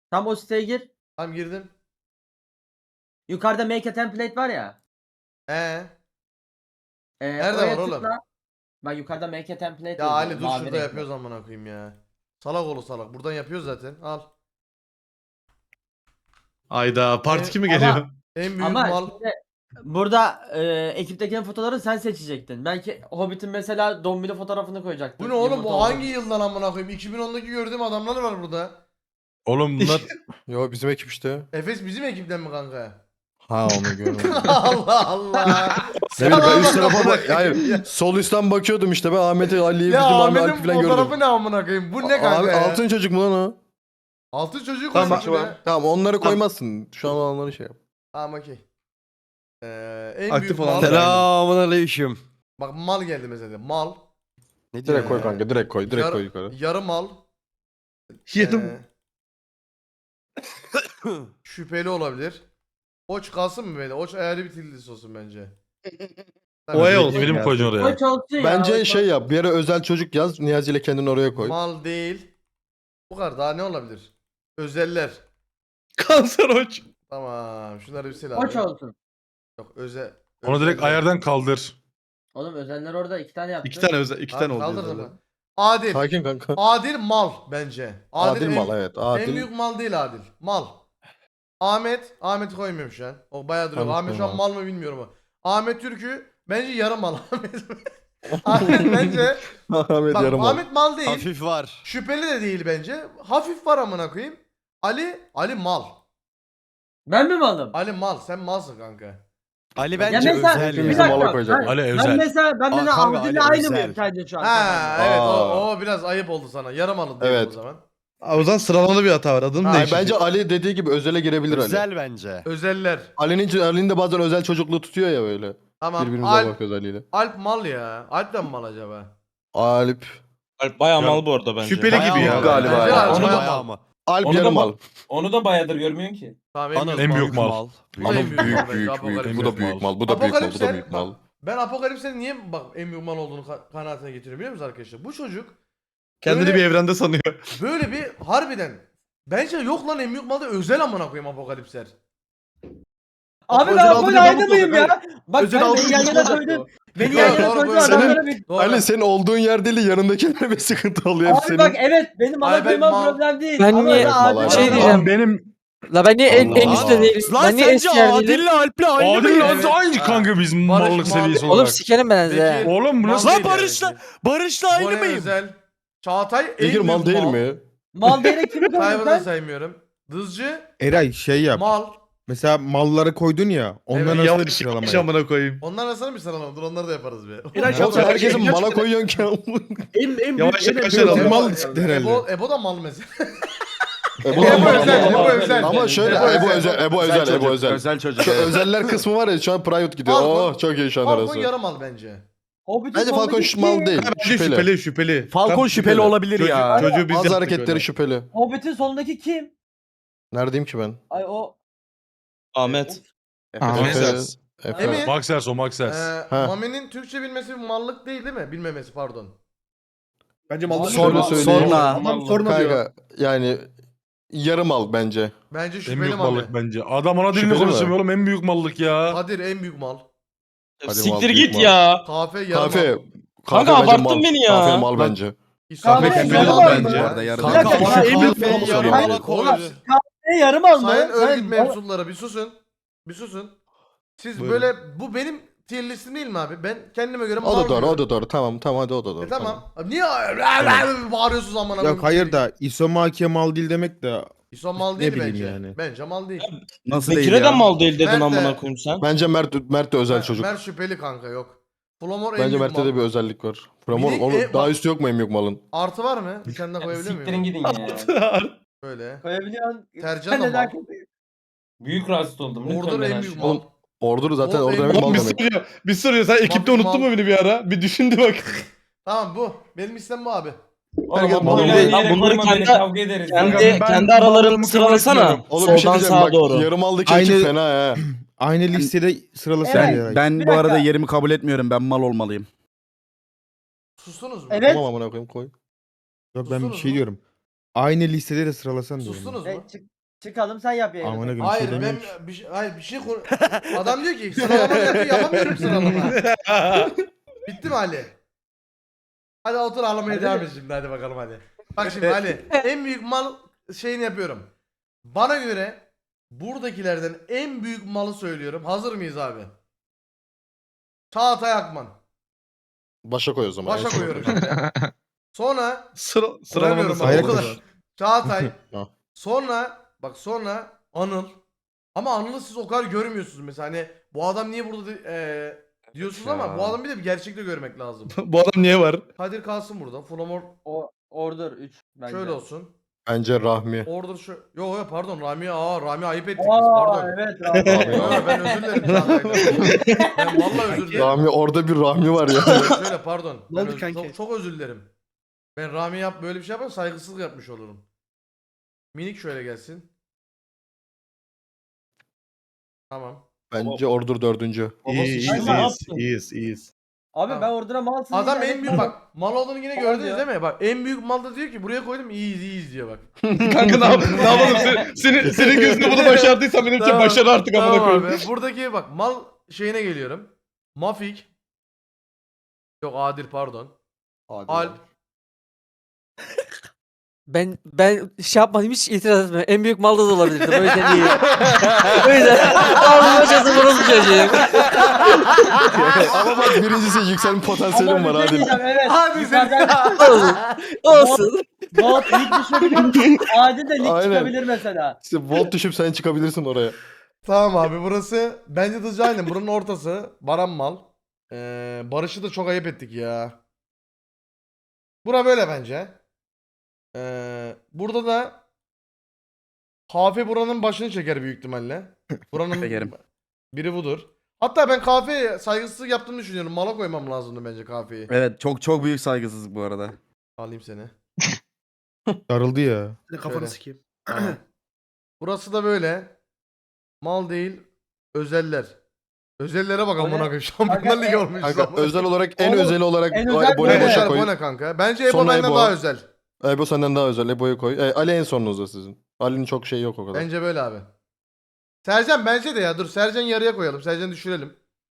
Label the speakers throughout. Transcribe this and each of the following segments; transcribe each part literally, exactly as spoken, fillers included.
Speaker 1: Tam o siteye gir.
Speaker 2: Tamam girdim.
Speaker 1: Yukarıda make a template var ya.
Speaker 2: Ee.
Speaker 1: E,
Speaker 2: Nerede
Speaker 1: oraya
Speaker 2: var oğlum?
Speaker 1: tıkla. Bak yukarıda make a template
Speaker 2: Ya
Speaker 1: yazıyor,
Speaker 2: Ali dur
Speaker 1: mavi
Speaker 2: şurada
Speaker 1: renkli.
Speaker 2: yapıyoruz amına koyayım ya. Salak oğlu salak. Buradan yapıyoruz zaten. Al.
Speaker 3: Ayda part
Speaker 2: E,
Speaker 3: iki mi
Speaker 1: ama-
Speaker 3: geliyor?
Speaker 2: En büyük
Speaker 1: Ama
Speaker 2: mal.
Speaker 1: şimdi burada e, ekiptekinin fotoğrafını sen seçecektin. Belki Hobbit'in mesela dombili fotoğrafını koyacaktın.
Speaker 2: Bu ne oğlum?
Speaker 1: Yumurta
Speaker 2: Bu hangi
Speaker 1: olarak.
Speaker 2: yıldan amına koyayım? iki bin ondaki gördüğüm adamlar var burada.
Speaker 4: Oğlum bunlar...
Speaker 5: Yo bizim ekip işte.
Speaker 2: Efes bizim ekipten mi kanka?
Speaker 4: Ha onu görmedim.
Speaker 2: Allah Allah.
Speaker 5: Ne bileyim ben üst
Speaker 2: Sana
Speaker 5: tarafa
Speaker 2: bak-
Speaker 5: bak. Hayır. Sol üstten bakıyordum işte ben Ahmet'i, Ali'yi,
Speaker 2: Ya
Speaker 5: bizim Ahmet
Speaker 2: Ahmet'in
Speaker 5: Alp'i falan
Speaker 2: fotoğrafı
Speaker 5: gördüm.
Speaker 2: ne amına koyayım? Bu ne kanka
Speaker 5: Abi
Speaker 2: ya?
Speaker 5: altın çocuk mu lan o?
Speaker 2: Altın çocuğu
Speaker 3: Tamam,
Speaker 2: koymuş
Speaker 3: şu
Speaker 2: be.
Speaker 3: an.
Speaker 5: Tamam onları koymazsın. Şu an olanları şey yap.
Speaker 2: Tamam okey. Ee, en
Speaker 3: Aktif
Speaker 2: büyük
Speaker 3: olan
Speaker 2: mal.
Speaker 3: da-
Speaker 4: Selamun aleyküm.
Speaker 2: Bak mal geldi mesela. Mal.
Speaker 4: Ne
Speaker 5: Direkt koy
Speaker 2: Ee,
Speaker 5: kanka direkt koy. Direkt
Speaker 2: Yarı-
Speaker 5: koy yukarı.
Speaker 2: Yarı mal.
Speaker 3: Yarım.
Speaker 2: Ee, şüpheli olabilir. Oç kalsın mı böyle? Oç ayarlı bir tillis olsun bence.
Speaker 3: O ay olsun.
Speaker 4: İsmini mi koyacaksın oraya?
Speaker 1: Koç olsun ya.
Speaker 5: Bence
Speaker 1: koç
Speaker 5: şey
Speaker 1: olsun.
Speaker 5: yap. Bir yere özel çocuk yaz. Niyazi ile kendini oraya koy.
Speaker 2: Mal değil. Bu kadar daha ne olabilir? Özeller.
Speaker 3: Kanser hoç.
Speaker 2: Tamam. Şunları bir sil abi.
Speaker 1: Koç olsun.
Speaker 2: Yok özel.
Speaker 4: Onu direkt
Speaker 2: özeller.
Speaker 4: ayardan kaldır.
Speaker 1: Oğlum özenler orada iki tane yaptı.
Speaker 3: İki tane özel, iki
Speaker 2: Abi
Speaker 3: tane oldu.
Speaker 2: kaldırdın
Speaker 3: özel.
Speaker 2: mı? Adil.
Speaker 5: Sakin kanka.
Speaker 2: Adil mal bence.
Speaker 5: Adil,
Speaker 2: en-
Speaker 5: mal evet.
Speaker 2: En
Speaker 5: Adil.
Speaker 2: büyük mal değil Adil. Mal. Ahmet. Ahmet'i koymuyorum şu an. O bayağı duruyor.
Speaker 5: Ahmet
Speaker 2: Ahmet şu an
Speaker 5: koyma.
Speaker 2: mal mı bilmiyorum ama. Ahmet Türk'ü bence yarı mal. Ahmet. Ahmet bence.
Speaker 5: Ahmet
Speaker 2: Bak,
Speaker 5: yarım al.
Speaker 2: Ahmet mal değil.
Speaker 4: Hafif var.
Speaker 2: Şüpheli de değil bence. Hafif var amına koyayım. Ali. Ali mal.
Speaker 1: Ben mi malım?
Speaker 2: Ali mal. Sen malsın kanka.
Speaker 4: Ali
Speaker 1: Ya
Speaker 4: bence
Speaker 1: mesela
Speaker 4: özel
Speaker 1: bir
Speaker 5: Bizi
Speaker 4: ya.
Speaker 5: mala
Speaker 1: dakika.
Speaker 5: koyacak.
Speaker 1: Ben,
Speaker 4: Ali
Speaker 1: ben
Speaker 4: özel.
Speaker 1: mesela ben
Speaker 4: Aa,
Speaker 1: mesela
Speaker 4: kanka,
Speaker 1: Avdi'yle
Speaker 4: Ali
Speaker 1: aynı
Speaker 4: özel.
Speaker 1: mıyım sence şu an?
Speaker 2: Ha
Speaker 1: kafamda?
Speaker 2: evet
Speaker 5: Aa.
Speaker 2: o, o biraz ayıp oldu sana. Yarım alın diyelim
Speaker 5: Evet.
Speaker 2: o zaman.
Speaker 3: Abi o zaman sıralamada bir hata var. Adını
Speaker 2: Ha,
Speaker 5: Ay,
Speaker 3: değiştir.
Speaker 5: bence Ali dediği gibi özele girebilir Ali.
Speaker 4: Özel bence.
Speaker 2: Özeller.
Speaker 5: Ali'nin Ali'nin de bazen özel çocukluğu tutuyor ya böyle.
Speaker 2: Tamam.
Speaker 5: Birbirimize
Speaker 2: Alp,
Speaker 5: bakıyoruz Ali'yle.
Speaker 2: Alp mal ya. Alp de mi mal acaba?
Speaker 5: Alp.
Speaker 6: Alp bayağı
Speaker 3: Ya,
Speaker 6: mal bu arada bence.
Speaker 3: şüpheli
Speaker 4: Bayağı
Speaker 3: gibi ya.
Speaker 4: mal
Speaker 5: Galiba
Speaker 2: Bence
Speaker 5: ya.
Speaker 2: Alp
Speaker 6: Onu
Speaker 2: bayağı
Speaker 6: da-
Speaker 4: Bayağı
Speaker 2: mal.
Speaker 4: mı?
Speaker 5: Alp
Speaker 6: Onu da
Speaker 5: yarım
Speaker 6: bak-
Speaker 5: al.
Speaker 6: Onu da bayağıdır görmüyorsun ki.
Speaker 2: Tamam
Speaker 4: Anıl
Speaker 2: en büyük
Speaker 3: en
Speaker 2: mal.
Speaker 3: büyük mal.
Speaker 2: Bu da
Speaker 5: Anıl
Speaker 2: en büyük
Speaker 5: büyük
Speaker 2: mal bence,
Speaker 5: büyük
Speaker 2: Apokalipser.
Speaker 5: büyük. Bu da büyük mal. Bu da büyük mal. Bu da
Speaker 2: Apokalipser,
Speaker 5: büyük mal.
Speaker 2: bak, ben Apokalips'e niye bak en büyük mal olduğunu ka- kanaatine getiriyorum biliyor musunuz arkadaşlar? Bu çocuk
Speaker 3: Kendini
Speaker 2: Böyle-
Speaker 3: bir evrende sanıyor.
Speaker 2: böyle bir harbiden bence yok lan en büyük malda özel amına koyayım Apokalipsler.
Speaker 1: Abi
Speaker 3: Özel
Speaker 1: ben
Speaker 3: aldığını
Speaker 1: böyle aynı
Speaker 3: kabul
Speaker 1: mıyım
Speaker 3: olacak,
Speaker 1: ya? Bak
Speaker 3: Özel
Speaker 1: sen
Speaker 3: aldığını
Speaker 1: beni yan yana
Speaker 3: kabul olacak
Speaker 1: koydun.
Speaker 3: o.
Speaker 1: Beni
Speaker 2: Doğru,
Speaker 1: yan yana
Speaker 2: doğru,
Speaker 1: koydun
Speaker 2: doğru.
Speaker 1: adamlara bir...
Speaker 2: Doğru.
Speaker 5: Ali senin olduğun yer değil yanındakilere bir sıkıntı oluyor hep
Speaker 1: Abi
Speaker 5: senin.
Speaker 1: bak evet benim
Speaker 2: Ay, ben
Speaker 1: alabilmem
Speaker 2: mal-
Speaker 1: problem değil.
Speaker 7: Ben
Speaker 1: Ama
Speaker 7: niye-
Speaker 1: öyle adil
Speaker 5: Mal-
Speaker 7: şey
Speaker 1: adam-
Speaker 7: diyeceğim.
Speaker 4: benim...
Speaker 7: La ben niye en, en
Speaker 5: Allah.
Speaker 7: üstte değilim?
Speaker 4: Lan
Speaker 7: Ben niye
Speaker 4: sence
Speaker 7: eski yerdeydim?
Speaker 4: Adil'le Alp'le aynı
Speaker 3: Adil
Speaker 4: mıyız?
Speaker 3: lan aynı kanka biz
Speaker 2: Barış
Speaker 3: mallık
Speaker 2: mal-
Speaker 3: seviyesi
Speaker 7: Oğlum
Speaker 3: olarak.
Speaker 7: sikerim ben size.
Speaker 2: Peki,
Speaker 3: Oğlum bu
Speaker 2: mal
Speaker 3: nasıl?
Speaker 2: değil
Speaker 4: Lan Barış'la-
Speaker 2: yani.
Speaker 4: Barış'la aynı
Speaker 2: Bone
Speaker 4: mıyım?
Speaker 2: Özel. Çağatay en
Speaker 5: Bekir
Speaker 2: büyük
Speaker 5: mal değil mi?
Speaker 1: Mal diyerek kimi koydun
Speaker 2: Tayvan'ı da
Speaker 1: sen?
Speaker 2: saymıyorum. Dızcı
Speaker 8: Eray şey yap.
Speaker 2: mal.
Speaker 8: Mesela malları koydun ya. Onların
Speaker 2: Evet,
Speaker 8: arasında bir
Speaker 3: Yavaş
Speaker 8: sıralama
Speaker 3: yavaş
Speaker 8: yap.
Speaker 3: amına koyayım.
Speaker 2: Onlar arasında bir sıralama dur onları da yaparız be.
Speaker 5: Oğlum herkesin mala koyuyorsun ki.
Speaker 8: En, en
Speaker 3: Yavaş
Speaker 8: büyük, en
Speaker 3: yavaş
Speaker 8: büyük
Speaker 3: alalım.
Speaker 8: mal çıktı herhalde.
Speaker 2: Ebo, Ebo da mal mesela.
Speaker 5: Ebo,
Speaker 2: Ebo
Speaker 5: mal,
Speaker 2: özel,
Speaker 5: mal,
Speaker 2: Ebo
Speaker 5: mal.
Speaker 2: özel.
Speaker 5: Ama şöyle
Speaker 2: Ebo
Speaker 5: Ebo
Speaker 2: özel.
Speaker 5: özel, Ebo özel, Ebo özel.
Speaker 4: Özel çocuk.
Speaker 5: Şu özeller kısmı var ya şu an private gidiyor.
Speaker 2: Falcon-
Speaker 5: Oh çok iyi şu an
Speaker 2: Falcon
Speaker 5: arası.
Speaker 2: yarı mal bence.
Speaker 1: Hobbit'in
Speaker 5: Bence Falcon
Speaker 1: soldaki
Speaker 5: şu mal
Speaker 1: kim?
Speaker 5: değil.
Speaker 3: Bence
Speaker 5: Şüpheli.
Speaker 3: şüpheli şüpheli.
Speaker 4: Falcon
Speaker 3: Tam
Speaker 4: şüpheli olabilir
Speaker 3: Çocuğu-
Speaker 4: ya.
Speaker 3: Çocuğu biz
Speaker 5: Bazı
Speaker 3: yaptık
Speaker 5: hareketleri
Speaker 3: öyle.
Speaker 5: şüpheli.
Speaker 1: Hobbit'in solundaki kim?
Speaker 5: Neredeyim ki ben?
Speaker 1: Ay o...
Speaker 6: Ahmet.
Speaker 8: Ahmet.
Speaker 5: Efe.
Speaker 4: Maxers.
Speaker 5: Efe.
Speaker 2: Emin.
Speaker 4: Maxers o Maxers.
Speaker 2: Ee,
Speaker 5: Ha.
Speaker 2: Mami'nin Türkçe bilmesi bir mallık değil değil mi? Bilmemesi pardon.
Speaker 8: Bence mal
Speaker 5: Şöyle söyleyeyim.
Speaker 4: Sonra.
Speaker 8: Adam sorma diyor.
Speaker 5: Kanka yani yarı mal bence.
Speaker 2: Bence
Speaker 3: En
Speaker 2: şüpheli
Speaker 3: büyük
Speaker 2: Mami.
Speaker 3: mallık bence. Adam ana dilini
Speaker 5: Şüpheli mi?
Speaker 3: konuşuyor oğlum en büyük mallık ya.
Speaker 2: Kadir en büyük mal.
Speaker 5: Hadi mal,
Speaker 6: Siktir
Speaker 5: büyük
Speaker 6: git
Speaker 5: mal.
Speaker 6: ya.
Speaker 2: Kafe yarı
Speaker 5: Kafe.
Speaker 2: mal.
Speaker 6: Kanka
Speaker 5: bence
Speaker 6: abarttın
Speaker 5: mal.
Speaker 6: beni ya.
Speaker 5: Kafe mal
Speaker 8: Lan-
Speaker 5: bence.
Speaker 2: İsabet
Speaker 1: Kafe
Speaker 2: etmeli
Speaker 1: yarı
Speaker 2: mal
Speaker 1: mal
Speaker 2: bence.
Speaker 1: mı?
Speaker 4: Bu arada yarı
Speaker 2: Kanka,
Speaker 1: mal.
Speaker 2: Kafe
Speaker 5: en büyük
Speaker 2: mal
Speaker 5: mal
Speaker 2: mal.
Speaker 5: yarı
Speaker 2: Oğlum,
Speaker 5: mal
Speaker 2: oğlum,
Speaker 1: E yarım al mı?
Speaker 2: Sayın örgüt
Speaker 1: Sen-
Speaker 2: mensupları bir susun. Bir susun. Siz
Speaker 3: Buyurun.
Speaker 2: böyle bu benim tier listim değil mi abi? Ben kendime göre mal
Speaker 5: O da doğru,
Speaker 2: görüyorum.
Speaker 5: o da doğru. Tamam, tamam hadi o da doğru.
Speaker 2: E tamam.
Speaker 5: tamam.
Speaker 2: Abi niye bağırıyorsunuz amına
Speaker 8: Yok hayır da İsomaki'ye mal değil demek de
Speaker 2: İso mal
Speaker 8: Ne
Speaker 2: değil
Speaker 8: bileyim
Speaker 2: bence.
Speaker 8: yani.
Speaker 2: Bence mal değil.
Speaker 4: Nasıl değil
Speaker 6: Bekir'e
Speaker 4: ya?
Speaker 6: de mal değil dedin
Speaker 2: Mert de-
Speaker 6: amına koyayım sen.
Speaker 5: Bence Mert Mert de özel
Speaker 2: Mer-
Speaker 5: çocuk.
Speaker 2: Mert şüpheli kanka yok. Flomor en
Speaker 5: Bence
Speaker 2: büyük
Speaker 5: Mert'te
Speaker 2: mal.
Speaker 5: de bir özellik var. Framor
Speaker 2: Minik
Speaker 5: onu
Speaker 2: e-
Speaker 5: daha
Speaker 2: bak-
Speaker 5: üstü yok mu en büyük malın?
Speaker 2: Artı var mı? Bir tane daha koyabilir
Speaker 6: Siktirin
Speaker 2: miyim?
Speaker 6: gidin ya.
Speaker 2: Böyle.
Speaker 1: Koyabiliyorsun.
Speaker 2: Tercan
Speaker 1: Sen
Speaker 2: da
Speaker 1: de
Speaker 2: mal.
Speaker 6: Büyük rahatsız oldum. Lütfen
Speaker 2: Order
Speaker 6: beni
Speaker 2: en
Speaker 6: aç.
Speaker 2: büyük mal.
Speaker 5: Ordur zaten
Speaker 2: O
Speaker 5: orada
Speaker 2: en-
Speaker 5: demek mal
Speaker 3: Oğlum bir
Speaker 5: demek.
Speaker 3: soruyor. Bir soruyor. Sen ekipte
Speaker 2: Mal-
Speaker 3: unuttun mu beni bir ara? Bir düşündü bak.
Speaker 2: Tamam bu. Benim istem bu abi.
Speaker 6: Oğlum
Speaker 5: Herkes
Speaker 6: abi
Speaker 5: mal
Speaker 6: böyle
Speaker 5: değil.
Speaker 6: yere
Speaker 7: Lan bunları
Speaker 6: koyma beni,
Speaker 7: kendi-
Speaker 6: kavga ederiz.
Speaker 7: Kendi,
Speaker 6: ya.
Speaker 4: ben
Speaker 7: kendi
Speaker 4: mallarımı
Speaker 7: aralarını
Speaker 4: kabul
Speaker 7: sıralasana.
Speaker 4: etmiyorum.
Speaker 5: Oğlum bir şey
Speaker 7: Soldan
Speaker 5: diyeceğim
Speaker 7: sağa
Speaker 5: bak
Speaker 7: doğru.
Speaker 5: yarım aldaki
Speaker 8: Aynı-
Speaker 5: ekip fena ha.
Speaker 8: aynı listede sıralasana
Speaker 1: Evet.
Speaker 8: Eray.
Speaker 4: Ben
Speaker 1: Bir
Speaker 4: bu arada
Speaker 1: dakika.
Speaker 4: yerimi kabul etmiyorum. Ben mal olmalıyım.
Speaker 2: Sustunuz mu?
Speaker 1: Evet.
Speaker 5: Tamam amına koyayım koy.
Speaker 8: Yok ben bir
Speaker 2: Sustunuz
Speaker 8: şey
Speaker 2: mu?
Speaker 8: diyorum. Aynı listede de sıralasan diyorum.
Speaker 2: Sustunuz
Speaker 1: E,
Speaker 2: mu?
Speaker 1: çık- Çıkalım sen yap yayını.
Speaker 8: Amına koyayım,
Speaker 2: Hayır
Speaker 8: şey
Speaker 2: ben
Speaker 8: demiyorum.
Speaker 2: bir şey, hayır bir şey konu... Adam diyor ki sıralama yapıyor yapamıyorum sıralama. Bitti mi Ali? Hadi otur ağlamaya
Speaker 1: Hadi.
Speaker 2: devam et şimdi hadi bakalım hadi. Bak şimdi Ali en büyük mal şeyini yapıyorum. Bana göre buradakilerden en büyük malı söylüyorum. Hazır mıyız abi? Çağatay Akman.
Speaker 5: Başa koy o zaman.
Speaker 2: Başa
Speaker 5: en son.
Speaker 2: koyuyorum şimdi. Sonra
Speaker 3: Sıra,
Speaker 2: Kuramıyorum
Speaker 3: sıralamada
Speaker 2: abi,
Speaker 3: sıralama
Speaker 2: o kadar.
Speaker 3: var.
Speaker 2: Çağatay.
Speaker 5: Ha.
Speaker 2: Sonra bak sonra Anıl. Ama Anıl'ı siz o kadar görmüyorsunuz mesela hani bu adam niye burada di- eee, diyorsunuz ama bu adamı bir de bir gerçekte görmek lazım.
Speaker 3: Bu adam niye var?
Speaker 2: Kadir kalsın burada. Flamor
Speaker 1: O Order üç bence.
Speaker 2: şöyle olsun.
Speaker 5: Bence Rahmi.
Speaker 2: Order şu. Yo yo pardon Rami aa Rami ayıp ettik biz
Speaker 1: Aa
Speaker 2: pardon.
Speaker 1: evet
Speaker 2: Yo,
Speaker 1: abi.
Speaker 2: yo, ben özür dilerim Çağatay'dan. Ben vallahi özür dilerim.
Speaker 5: Rahmi orada bir Rahmi var ya.
Speaker 2: Şöyle pardon.
Speaker 8: Ne
Speaker 2: Ben
Speaker 8: oldu
Speaker 2: öz-
Speaker 8: kanki?
Speaker 2: çok, çok özür dilerim. Ben Rami yap böyle bir şey yapar saygısızlık yapmış olurum. Minik şöyle gelsin. Tamam.
Speaker 5: Bence Ordur dördüncü.
Speaker 8: İyi, iyiyiz,
Speaker 1: Aynen,
Speaker 8: iyiyiz,
Speaker 6: yaptın?
Speaker 8: iyiyiz, iyiyiz.
Speaker 1: Abi
Speaker 2: Tamam.
Speaker 1: ben Order'a malsın.
Speaker 2: Adam
Speaker 1: deyince
Speaker 2: en büyük
Speaker 1: evet,
Speaker 2: bak mal olduğunu yine
Speaker 1: Mal
Speaker 2: gördünüz
Speaker 1: diyor.
Speaker 2: değil mi? Bak en büyük mal da diyor ki buraya koydum iyiyiz iyiyiz diyor bak.
Speaker 3: Kanka ne, yap ne yapalım? Sen, senin, senin gözünde bunu başardıysan benim için
Speaker 2: Tamam,
Speaker 3: başarı artık amına
Speaker 2: Tamam
Speaker 3: koyayım.
Speaker 2: abi. Buradaki bak mal şeyine geliyorum. Mafik. Yok Adil pardon. Alp.
Speaker 7: Ben ben şey yapmadım hiç itiraz etmiyorum. En büyük malda da olabilirdim. O yüzden iyi. O yüzden ağzıma çatı burası çocuğum.
Speaker 5: Ama bak birincisi yükselme potansiyelim
Speaker 1: Ama
Speaker 5: var
Speaker 1: bir şey
Speaker 5: hadi.
Speaker 1: diyeceğim, evet.
Speaker 2: Hadi
Speaker 1: Yukarıdan-
Speaker 7: Olsun. Olsun.
Speaker 1: Goat lig düşebilir. Adil de lig
Speaker 5: Aynen.
Speaker 1: çıkabilir mesela.
Speaker 5: İşte volt düşüp sen çıkabilirsin oraya.
Speaker 2: Tamam abi burası bence de aynen buranın ortası. Baran mal. Ee, Barış'ı da çok ayıp ettik ya. Bura böyle bence. Ee, burada da Kafe buranın başını çeker büyük ihtimalle. Buranın
Speaker 4: Çekerim.
Speaker 2: biri budur. Hatta ben kafeye saygısızlık yaptığımı düşünüyorum. Mala koymam lazımdı bence kafeyi.
Speaker 4: Evet çok çok büyük saygısızlık bu arada.
Speaker 2: Alayım seni.
Speaker 8: Darıldı ya.
Speaker 2: Kafanı sikeyim. Tamam. Burası da böyle. Mal değil, özeller. Özellere bak
Speaker 1: O ne?
Speaker 2: amına koyayım. Şampiyonlar
Speaker 1: Kanka,
Speaker 2: Ligi
Speaker 1: en-
Speaker 2: olmuş.
Speaker 5: Kanka özel olarak en
Speaker 1: Oğlum,
Speaker 5: özel olarak
Speaker 1: en
Speaker 5: o
Speaker 1: özel
Speaker 5: Ebo'yu
Speaker 1: böyle.
Speaker 2: Ne
Speaker 5: başa
Speaker 2: bu
Speaker 5: koy.
Speaker 2: ne kanka? Bence Ebo
Speaker 5: Sonra
Speaker 2: benden
Speaker 5: Ebo.
Speaker 2: daha özel.
Speaker 5: Ebo senden daha özel. Ebo'yu koy. E, Ali en sonunuzda sizin. Ali'nin çok şey yok o kadar.
Speaker 2: Bence böyle abi. Sercan bence de ya. Dur Sercan yarıya koyalım. Sercan düşürelim.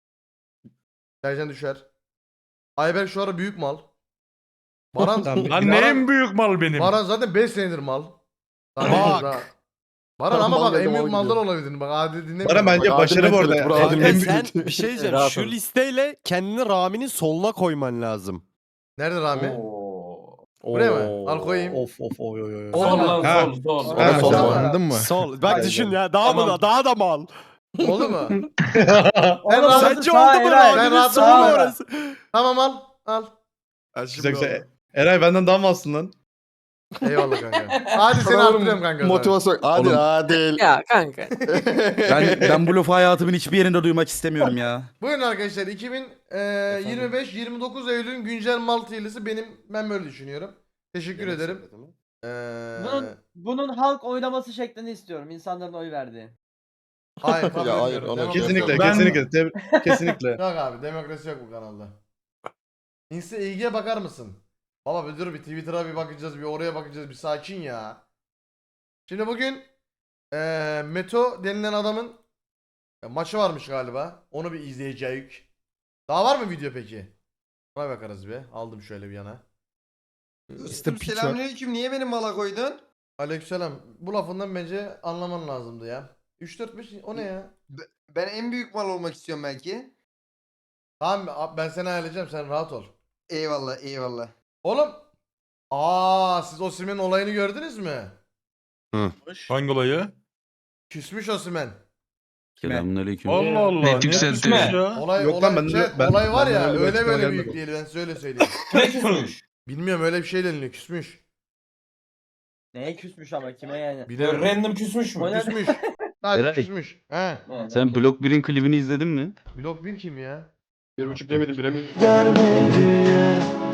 Speaker 2: Sercan düşer. Ayberk şu ara büyük mal. Baran,
Speaker 3: Lan
Speaker 2: Baran,
Speaker 3: ne en büyük mal benim?
Speaker 2: Baran zaten beş senedir mal. Daha
Speaker 8: Bak.
Speaker 2: daha- Baran ama
Speaker 5: Mal
Speaker 2: bak en
Speaker 5: geldi,
Speaker 2: büyük
Speaker 5: mal
Speaker 2: maldan
Speaker 5: gidiyor.
Speaker 2: olabilir. Bak Adil dinlemiyor.
Speaker 8: Bana bence
Speaker 5: Bak,
Speaker 8: başarı
Speaker 5: Adil
Speaker 8: bu arada.
Speaker 5: Mehmet, bura
Speaker 8: En-
Speaker 5: Adil
Speaker 8: en-
Speaker 5: Mehmet.
Speaker 9: Sen bir şey diyeceğim.
Speaker 5: Rahat
Speaker 9: Şu
Speaker 5: ol.
Speaker 9: listeyle kendini Rami'nin soluna koyman lazım.
Speaker 2: Nerede Rami?
Speaker 6: Oo.
Speaker 2: Buraya mı? Al koyayım.
Speaker 8: Of of oy oy oy.
Speaker 2: Oğlum,
Speaker 6: Sol lan
Speaker 8: ha.
Speaker 6: sol sol.
Speaker 5: Sol,
Speaker 8: Ha,
Speaker 5: sol,
Speaker 8: sen
Speaker 5: sol.
Speaker 8: anladın mı?
Speaker 9: Sol. Bak düşün ya. Daha
Speaker 6: Tamam.
Speaker 9: mı da daha da mal.
Speaker 2: Oldu mu?
Speaker 1: Oğlum,
Speaker 2: rahat-
Speaker 9: Sence
Speaker 1: sağ
Speaker 9: oldu mu
Speaker 1: Eray.
Speaker 2: Sen
Speaker 9: Rami'nin
Speaker 2: rahat-
Speaker 9: solu
Speaker 1: sağ-
Speaker 9: orası?
Speaker 2: Tamam al. Al.
Speaker 3: Güzel güzel. Eray benden daha mı alsın lan?
Speaker 2: Eyvallah kanka. Hadi seni
Speaker 5: Sana
Speaker 2: arttırıyorum kanka. sana.
Speaker 5: Motivasyon. Hadi
Speaker 4: Oğlum.
Speaker 5: Adil.
Speaker 7: Ya kanka.
Speaker 4: Ben ben bu lafı hayatımın hiçbir yerinde duymak istemiyorum ya.
Speaker 2: Buyurun arkadaşlar iki bin yirmi beş yirmi dokuz Eylül'ün güncel mal tiylisi benim ben böyle düşünüyorum. Teşekkür ederim. Ee,
Speaker 1: Bunun, bunun halk oylaması şeklini istiyorum. İnsanların oy verdiği.
Speaker 2: hayır kabul
Speaker 5: Ya, hayır,
Speaker 2: etmiyorum.
Speaker 5: ona-
Speaker 2: Demokrasi
Speaker 3: Kesinlikle
Speaker 2: yok.
Speaker 3: Ben- kesinlikle. teb- kesinlikle.
Speaker 2: Yok abi demokrasi yok bu kanalda. Insta ilgiye bakar mısın? Baba bir dur bir Twitter'a bir bakacağız bir oraya bakacağız bir sakin ya. Şimdi bugün eee Meto denilen adamın e, maçı varmış galiba. Onu bir izleyeceğiz. Daha var mı video peki? Ona bakarız bir. Aldım şöyle bir yana.
Speaker 8: Mister Piç var.
Speaker 10: Selamünaleyküm. Niye beni mala koydun?
Speaker 2: Aleykümselam. Bu lafından bence anlaman lazımdı ya. üç dört beş o ne ya?
Speaker 10: Ben en büyük mal olmak istiyorum belki.
Speaker 2: Tamam abi, ben seni ayarlayacağım sen rahat ol.
Speaker 10: Eyvallah eyvallah.
Speaker 2: Oğlum. Aa siz Osimhen'in olayını gördünüz mü?
Speaker 3: Hangi olayı?
Speaker 2: Küsmüş Osimhen.
Speaker 4: Selamünaleyküm.
Speaker 3: Allah Allah.
Speaker 6: Ne
Speaker 3: niye
Speaker 6: yükseltti?
Speaker 3: küsmüş ya?
Speaker 2: Olay,
Speaker 8: Yok
Speaker 2: olay,
Speaker 8: lan, ben de-
Speaker 2: chat,
Speaker 8: ben-
Speaker 2: olay var
Speaker 8: ben
Speaker 2: ya
Speaker 8: öyle bir
Speaker 2: öyle
Speaker 8: açıklama
Speaker 2: böyle
Speaker 8: gelmedi.
Speaker 2: büyük değil ben size öyle söyleyeyim.
Speaker 6: Ne küsmüş?
Speaker 2: Bilmiyorum öyle bir şey deniliyor küsmüş.
Speaker 1: Neye küsmüş ama kime yani?
Speaker 2: Bilmiyorum.
Speaker 6: Random küsmüş
Speaker 1: O
Speaker 6: mü?
Speaker 1: ne?
Speaker 2: Küsmüş. Sadece
Speaker 4: Eray.
Speaker 2: küsmüş. He.
Speaker 4: Sen Blok birin klibini izledin mi?
Speaker 2: Blok bir kim ya?
Speaker 5: Bir buçuk demedim bilemedim.